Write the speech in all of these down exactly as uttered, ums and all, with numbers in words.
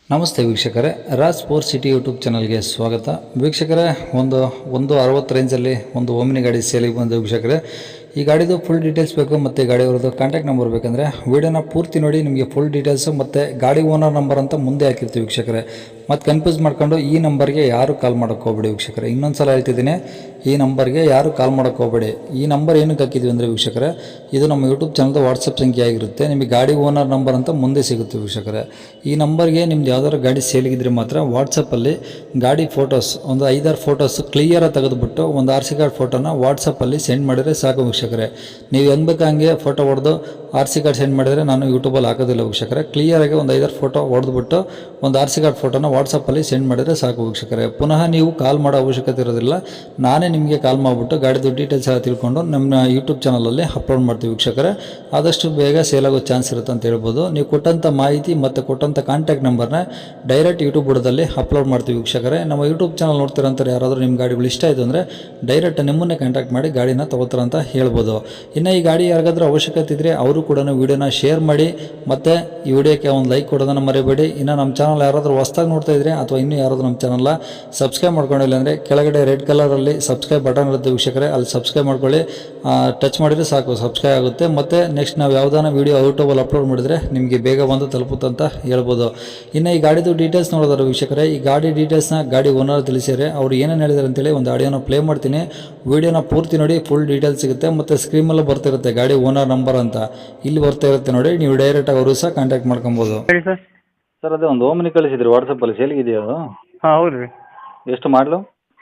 ನಮಸ್ತೆ ವೀಕ್ಷಕರೇ, Raj sport city YouTube ಚಾನಲ್ಗೆ ಸ್ವಾಗತ. ವೀಕ್ಷಕರೇ, ಒಂದು ಒಂದು ಅರವತ್ತು ರೇಂಜಲ್ಲಿ ಒಂದು ಓಮಿನಿ ಗಾಡಿ ಸೇಲಿಗೆ ಬಂದು ವೀಕ್ಷಕರೇ, ಈ ಗಾಡಿದು ಫುಲ್ ಡೀಟೇಲ್ಸ್ ಬೇಕು ಮತ್ತು ಗಾಡಿಯವ್ರದ್ದು ಕಾಂಟ್ಯಾಕ್ಟ್ ನಂಬರ್ ಬೇಕಂದರೆ ವೀಡಿಯೋನ ಪೂರ್ತಿ ನೋಡಿ. ನಿಮಗೆ ಫುಲ್ ಡೀಟೇಲ್ಸು ಮತ್ತು ಗಾಡಿ ಓನರ್ ನಂಬರ್ ಅಂತ ಮುಂದೆ ಹಾಕಿರ್ತೀವಿ ವೀಕ್ಷಕರೇ. ಮತ್ತು ಕನ್ಫ್ಯೂಸ್ ಮಾಡ್ಕೊಂಡು ಈ ನಂಬರ್ಗೆ ಯಾರು ಕಾಲ್ ಮಾಡೋಕ್ಕೆ ಹೋಗ್ಬೇಡಿ ವೀಕ್ಷಕರೇ. ಇನ್ನೊಂದು ಸಲ ಹೇಳ್ತಿದ್ದೀನಿ, ಈ ನಂಬರ್ಗೆ ಯಾರು ಕಾಲ್ ಮಾಡೋಕ್ಕೆ ಹೋಗಬೇಡಿ. ಈ ನಂಬರ್ ಏನಕ್ಕೆ ಹಾಕಿದ್ವಿ ಅಂದರೆ ವೀಕ್ಷಕರೇ, ಇದು ನಮ್ಮ ಯೂಟ್ಯೂಬ್ ಚಾನಲ್ದು ವಾಟ್ಸಪ್ ಸಂಖ್ಯೆ ಆಗಿರುತ್ತೆ. ನಿಮಗೆ ಗಾಡಿ ಓನರ್ ನಂಬರ್ ಅಂತ ಮುಂದೆ ಸಿಗುತ್ತೆ ವೀಕ್ಷಕರೇ. ಈ ನಂಬರ್ಗೆ ನಿಮ್ದು ಯಾವ್ದಾದ್ರು ಗಾಡಿ ಸೇಲಿಗಿದ್ರೆ ಮಾತ್ರ ವಾಟ್ಸಪ್ಪಲ್ಲಿ ಗಾಡಿ ಫೋಟೋಸ್ ಒಂದು ಐದಾರು ಫೋಟೋಸ್ ಕ್ಲಿಯರಾಗಿ ತೆಗೆದುಬಿಟ್ಟು ಒಂದು ಆರ್ ಸಿ ಕಾರ್ಡ್ ಫೋಟೋನ ವಾಟ್ಸಪ್ಪಲ್ಲಿ ಸೆಂಡ್ ಮಾಡಿದರೆ ಸಾಕು ವೀಕ್ಷಕರೇ. ನೀವು ಹೆಂಗೆ ಬೇಕು ಹಂಗೆ ಫೋಟೋ ಹೊಡೆದು ಆರ್ ಸಿ ಕಾರ್ಡ್ ಸೆಂಡ್ ಮಾಡಿದರೆ ನಾನು ಯೂಟ್ಯೂಬಲ್ಲಿ ಹಾಕೋದಿಲ್ಲ ವೀಕ್ಷಕರೇ. ಕ್ಲಿಯರಾಗಿ ಒಂದು ಐದಾರು ಫೋಟೋ ಹೊಡೆದ್ಬಿಟ್ಟು ಒಂದು ಆರ್ ಸಿ ಕಾರ್ಡ್ ಫೋಟೋನ ವಾಟ್ಸಪ್ಪಲ್ಲಿ ಸೆಂಡ್ ಮಾಡಿದರೆ ಸಾಕು ವೀಕ್ಷಕರೇ. ಪುನಃ ನೀವು ಕಾಲ್ ಮಾಡೋ ಅವಶ್ಯಕತೆ ಇರೋದಿಲ್ಲ. ನಾನೇ ನಿಮಗೆ ಕಾಲ್ ಮಾಡಿಬಿಟ್ಟು ಗಾಡಿದು ಡೀಟೇಲ್ಸ್ ಎಲ್ಲ ತಿಳ್ಕೊಂಡು ನಮ್ಮ ಯೂಟ್ಯೂಬ್ ಚಾನಲಲ್ಲಿ ಅಪ್ಲೋಡ್ ಮಾಡ್ತೀವಿ ವೀಕ್ಷಕರೇ. ಆದಷ್ಟು ಬೇಗ ಸೇಲ್ ಆಗೋ ಚಾನ್ಸ್ ಇರುತ್ತೆ ಅಂತ ಹೇಳ್ಬೋದು. ನೀವು ಕೊಟ್ಟಂಥ ಮಾಹಿತಿ ಮತ್ತು ಕೊಟ್ಟಂಥ ಕಾಂಟ್ಯಾಕ್ಟ್ ನಂಬರ್ನ ಡೈರೆಕ್ಟ್ ಯೂಟ್ಯೂಬ್ ಬುಡದಲ್ಲಿ ಅಪ್ಲೋಡ್ ಮಾಡ್ತೀವಿ ವೀಕ್ಷಕರೇ. ನಮ್ಮ ಯೂಟ್ಯೂಬ್ ಚಾನಲ್ ನೋಡ್ತಿರೋಂಥವ್ರು ಯಾರಾದರೂ ನಿಮ್ಮ ಗಾಡಿಗಳು ಇಷ್ಟ ಆಯಿತು ಅಂದರೆ ಡೈರೆಕ್ಟ್ ನಿಮ್ಮನ್ನೇ ಕಾಂಟ್ಯಾಕ್ಟ್ ಮಾಡಿ ಗಾಡಿನ ತೊಗೋತಾರಂತ ಹೇಳ್ಬೋದು. ಇನ್ನು ಈ ಗಾಡಿ ಯಾರಿಗಾದ್ರೂ ಅವಶ್ಯಕತೆ ಇದ್ದರೆ ಅವರು ಕೂಡ ವೀಡಿಯೋನ ಶೇರ್ ಮಾಡಿ ಮತ್ತು ಈ ವಿಡಿಯೋಕ್ಕೆ ಒಂದು ಲೈಕ್ ಕೊಡೋದನ್ನು ಮರಿಬೇಡಿ. ಇನ್ನು ನಮ್ಮ ಚಾನಲ್ ಯಾರಾದರೂ ಹೊಸ್ದಾಗಿ ನೋಡ್ತಾ ಇದ್ದರೆ ಅಥವಾ ಇನ್ನೂ ಯಾರಾದರೂ ನಮ್ಮ ಚಾನಲ್ನ ಸಬ್ಸ್ಕ್ರೈಬ್ ಮಾಡ್ಕೊಂಡಿಲ್ಲ ಅಂದರೆ ಕೆಳಗಡೆ ರೆಡ್ ಕಲರಲ್ಲಿ ಸಬ್ಸ್ಕ್ರೈಬ್ ಬಟನ್ ಇರುತ್ತೆ ವೀಕ್ಷಕರೇ, ಅಲ್ಲಿ ಸಬ್ಸ್ಕ್ರೈಬ್ ಮಾಡ್ಕೊಳ್ಳಿ. ಟಚ್ ಮಾಡಿದರೆ ಸಾಕು, ಸಬ್ಸ್ಕ್ರೈಬ್ ಆಗುತ್ತೆ. ಮತ್ತು ನೆಕ್ಸ್ಟ್ ನಾವು ಯಾವುದಾನ ವೀಡಿಯೋ ಯೂಟ್ಯೂಬಲ್ಲಿ ಅಪ್ಲೋಡ್ ಮಾಡಿದರೆ ನಿಮಗೆ ಬೇಗ ಬಂದು ತಲುಪುತ್ತಂತ ಹೇಳ್ಬೋದು. ಇನ್ನು ಈ ಗಾಡಿದು ಡೀಟೇಲ್ಸ್ ನೋಡೋದಾದ್ರೆ ವೀಕ್ಷಕರೇ, ಈ ಗಾಡಿ ಡೀಟೇಲ್ಸ್ನ ಗಾಡಿ ಓನರ್ ತಿಳಿಸಿದರೆ ಅವ್ರು ಏನೇನು ಹೇಳಿದಾರೆ ಅಂತೇಳಿ ಒಂದು ಆಡಿಯೋನ ಪ್ಲೇ ಮಾಡ್ತೀನಿ. ವೀಡಿಯೋನ ಪೂರ್ತಿ ನೋಡಿ, ಫುಲ್ ಡೀಟೇಲ್ಸ್ ಸಿಗುತ್ತೆ. ಮತ್ತು ಸ್ಕ್ರೀನಲ್ಲೂ ಬರ್ತಿರುತ್ತೆ ಗಾಡಿ ಓನರ್ ನಂಬರ್ ಅಂತ, ಇಲ್ಲಿ ಬರ್ತಾ ಇರುತ್ತೆ ನೋಡಿ. ನೀವು ಡೈರೆಕ್ಟಾಗಿ ಅವರು ಸಹ ಕಾಂಟ್ಯಾಕ್ಟ್ ಮಾಡ್ಕೊಬೋದು. ಹೇಳಿ ಸರ್. ಸರ್ ಅದೇ ಒಂದು ಓಮಿನಿ ಕಳಿಸಿದ್ರಿ ವಾಟ್ಸಪ್ಪಲ್ಲಿ, ಸೇಲಿಗಿದೆಯಾ ಅದು? ಹಾಂ ಹೌದು ರೀ. ಎಷ್ಟು ಮಾಡಲು?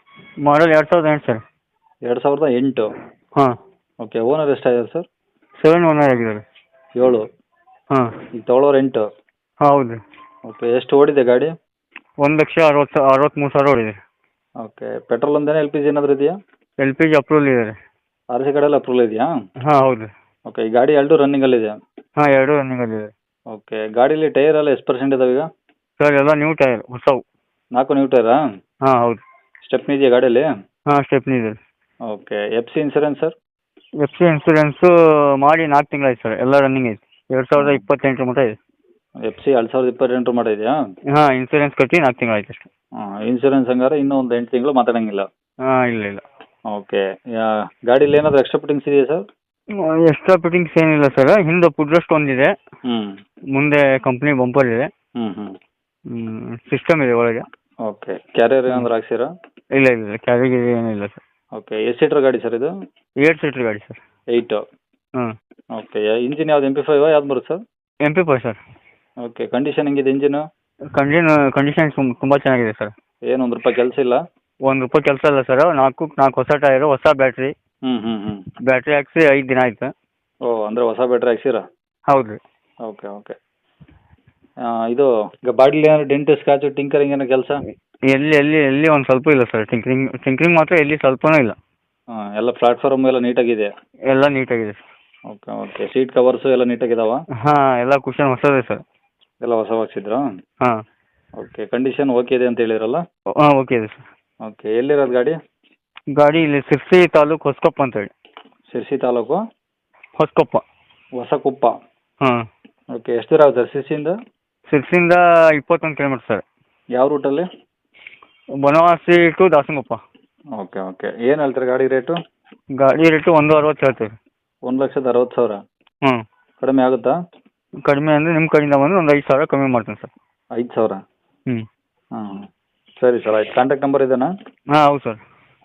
ಮಾಡಲ್ ಎರಡು ಸಾವಿರದ ಎಂಟು ಸರ್. ಎರಡು ಸಾವಿರದ ಎಂಟು. ಹಾಂ. ಓಕೆ. ಓನರ್ ಎಷ್ಟಾಗಿದೆ ಸರ್? ಸೆವೆನ್ ಓನರ್ ಆಗಿದ್ದಾರೆ. ಏಳು. ಹಾಂ. ಈಗ ತೊಗೊಳೋರು ಎಂಟು. ಹಾಂ ಹೌದು ರೀ. ಓಕೆ. ಎಷ್ಟು ಓಡಿದೆ ಗಾಡಿ? ಒಂದು ಲಕ್ಷ ಅರವತ್ತು ಅರವತ್ತ್ಮೂರು ಸಾವಿರ ಓಡಿದೆ. ಓಕೆ. ಪೆಟ್ರೋಲ್ ಒಂದೇನಾ, ಎಲ್ ಪಿ ಜಿ ಏನಾದರೂ ಇದೆಯಾ? ಎಲ್ ಪಿ ಜಿ ಅಪ್ರೂವಲ್ ಇದೆ ರೀ. ಆರ್ ಸಿ ಕಡೆಲ್ಲ ಅಪ್ರೂವಲ್ ಇದೆಯಾ? ಹಾಂ ಹೌದು ರೀ. ಓಕೆ. ಈ ಗಾಡಿ ಎರಡು ರನ್ನಿಂಗಲ್ಲಿದೆ? ಹಾಂ ಎರಡು ರನ್ನಿಂಗಲ್ಲಿದೆ. ಓಕೆ. ಗಾಡೀಲಿ ಟೈರ್ ಎಲ್ಲ ಎಷ್ಟು ಪರ್ಸೆಂಟ್ ಇದಾವೆ ಈಗ? ಸರ್ ಎಲ್ಲ ನ್ಯೂ ಟೈರ್, ಹೊಸವು. ನಾಲ್ಕು ನ್ಯೂ ಟೈರಾ? ಹಾಂ ಹೌದು. ಸ್ಟೆಪ್ನಿ ಇದೆಯಾ ಗಾಡೀಲಿ? ಹಾಂ ಸ್ಟೆಪ್ನಿ ಇದೆ. Okay. F C insurance sir? F C insurance ಮಾಡಿ ನಾಲ್ಕು ತಿಂಗಳಾಯ್ತು ಸರ್, ಎಲ್ಲ ರನ್ನಿಂಗ್ ಐತೆ. ಎರಡು ಸಾವಿರದ ಇಪ್ಪತ್ತೆಂಟರ ಮಟ್ಟ ಇದೆ. ಎಫ್ ಸಿ ಎರಡು ಸಾವಿರದ ಇಪ್ಪತ್ತೆಂಟರ ಮಟ್ಟ ಇದೆಯಾ? ಹಾಂ ಇನ್ಸೂರೆನ್ಸ್ ಕಟ್ಟಿ ನಾಲ್ಕು ತಿಂಗಳಾಯ್ತು ಅಷ್ಟೇ. ಹಾಂ. ಇನ್ಸೂರೆನ್ಸ್ ಹಂಗಾರೆ ಇನ್ನೂ ಒಂದು ಎಂಟು ತಿಂಗಳು ಮಾತಾಡೋಂಗಿಲ್ಲ? ಹಾಂ ಇಲ್ಲ ಇಲ್ಲ. ಓಕೆ. ಗಾಡೀಲಿ ಏನಾದರೂ ಎಕ್ಸ್ಟ್ರಾ ಫಿಟ್ಟಿಂಗ್ಸ್ ಇದೆಯಾ ಸರ್? ಎಕ್ಸ್ಟ್ರಾ ಫಿಟ್ಟಿಂಗ್ಸ್ ಏನಿಲ್ಲ ಸರ್. ಹಿಂದೆ ಪುಡ್ರೆಸ್ಟ್ ಒಂದಿದೆ, ಹ್ಞೂ. ಮುಂದೆ ಕಂಪ್ನಿ ಬಂಪರ್ ಇದೆ, ಹ್ಞೂ ಹ್ಞೂ ಸಿಸ್ಟಮ್ ಇದೆ ಒಳಗೆ. ಓಕೆ. ಕ್ಯಾರಿಯರ್ ಏನಾದರೂ ಹಾಕ್ಸಿರಾ? ಇಲ್ಲ ಇಲ್ಲ ಕ್ಯಾರಿಗೆ ಏನಿಲ್ಲ ಸರ್. ಓಕೆ. ಎಷ್ಟು ಸೀಟ್ರ್ ಗಾಡಿ ಸರ್ ಇದು? ಏಟ್ ಸೀಟ್ರ್ ಗಾಡಿ ಸರ್. ಏಯ್ಟು. ಹ್ಞೂ. ಓಕೆ. ಇಂಜಿನ್ ಯಾವ್ದು, ಎಮ್ ಪಿ ಫೈವಾ ಯಾವ್ದು ಬರುತ್ತೆ sir? M P five sir. Okay. Condition ಹೆಂಗಿದೆ ಇಂಜಿನು? ಕಂಡಿನ್ ಕಂಡೀಷನ್ ತುಂಬ ಚೆನ್ನಾಗಿದೆ ಸರ್. ಏನು ಒಂದು ರೂಪಾಯಿ ಕೆಲಸ ಇಲ್ಲ? ಒಂದು ರೂಪಾಯಿ ಕೆಲಸ ಇಲ್ಲ ಸರ್. ನಾಲ್ಕು ನಾಲ್ಕು ಹೊಸ ಟೈರು, ಹೊಸ ಬ್ಯಾಟ್ರಿ. ಹ್ಞೂ ಹ್ಞೂ ಹ್ಞೂ ಬ್ಯಾಟ್ರಿ ಹಾಕ್ಸಿ ಐದು ದಿನ ಆಯ್ತು. ಓ, ಅಂದರೆ ಹೊಸ ಬ್ಯಾಟ್ರಿ ಹಾಕ್ಸಿರಾ? ಹೌದು ರೀ. Okay okay. ಇದು ಈಗ ಬಾಡಿಲಿ ಏನಾದ್ರು ಡೆಂಟ್, ಸ್ಕ್ರಾಚು, ಟಿಂಕರಿಂಗ್ ಏನೋ ಕೆಲಸ? ಎಲ್ಲಿ ಎಲ್ಲಿ ಎಲ್ಲಿ ಒಂದು ಸ್ವಲ್ಪ ಇಲ್ಲ ಸರ್. ಟಿಂಕ್ರಿಂಗ್ ಟಿಂಕ್ರಿಂಗ್ ಮಾತ್ರ ಎಲ್ಲಿ ಸ್ವಲ್ಪನೂ ಇಲ್ಲ. ಹಾಂ. ಎಲ್ಲ ಪ್ಲಾಟ್ಫಾರ್ಮ್ ಎಲ್ಲ ನೀಟಾಗಿದೆ? ಎಲ್ಲ ನೀಟಾಗಿದೆ sir. Okay okay. Seat covers ಎಲ್ಲ ನೀಟಾಗಿದಾವ? ಹಾಂ ಎಲ್ಲ ಕುಷನ್ ಹೊಸದೇ ಸರ್. ಎಲ್ಲ ಹೊಸ ಹಾಕ್ಸಿದ್ರಾ? ಹಾಂ. ಓಕೆ. ಕಂಡೀಷನ್ ಓಕೆ ಇದೆ ಅಂತ ಹೇಳಿರಲ್ಲ? ಹಾಂ ಓಕೆ ಇದೆ ಸರ್. ಓಕೆ. ಎಲ್ಲಿರೋದು ಗಾಡಿ? ಗಾಡಿ ಇಲ್ಲಿ ಸಿರ್ಸಿ ತಾಲೂಕು ಹೊಸಕೊಪ್ಪ ಅಂತ ಹೇಳಿ. ಶಿರ್ಸಿ ತಾಲೂಕು ಹೊಸಕೊಪ್ಪ. ಹೊಸಕೊಪ್ಪ. ಹಾಂ. ಓಕೆ. ಎಷ್ಟು ದೂರ ಆಗುತ್ತೆ ಶಿರ್ಸಿಯಿಂದ? ಸಿರ್ಸಿಯಿಂದ ಇಪ್ಪತ್ತೊಂದು ಕಿಲೋಮೀಟ್ರ್ ಸರ್. ಯಾವ ರೂಟಲ್ಲಿ? Banavasi to Dasanakoppa. Okay okay. ಏನು ಹೇಳ್ತಾರೆ ಗಾಡಿ ರೇಟು? ಗಾಡಿ ರೇಟು ಒಂದು ಅರವತ್ತು ಹೇಳ್ತೀವಿ. ಒಂದು ಲಕ್ಷದ ಅರವತ್ತು ಸಾವಿರ? ಹ್ಞೂ. ಕಡಿಮೆ ಆಗುತ್ತಾ? ಕಡಿಮೆ ಅಂದರೆ ನಿಮ್ಮ ಕಡೆಯಿಂದ ಬಂದು ಒಂದು ಐದು ಸಾವಿರ ಕಮ್ಮಿ ಮಾಡ್ತೀನಿ ಸರ್. ಐದು ಸಾವಿರ? ಹ್ಞೂ. ಹಾಂ. ಸರಿ ಸರ್, ಆಯ್ತು. ಕಾಂಟ್ಯಾಕ್ಟ್ ನಂಬರ್ ಇದೆನಾ? ಹಾಂ ಹೌದು ಸರ್.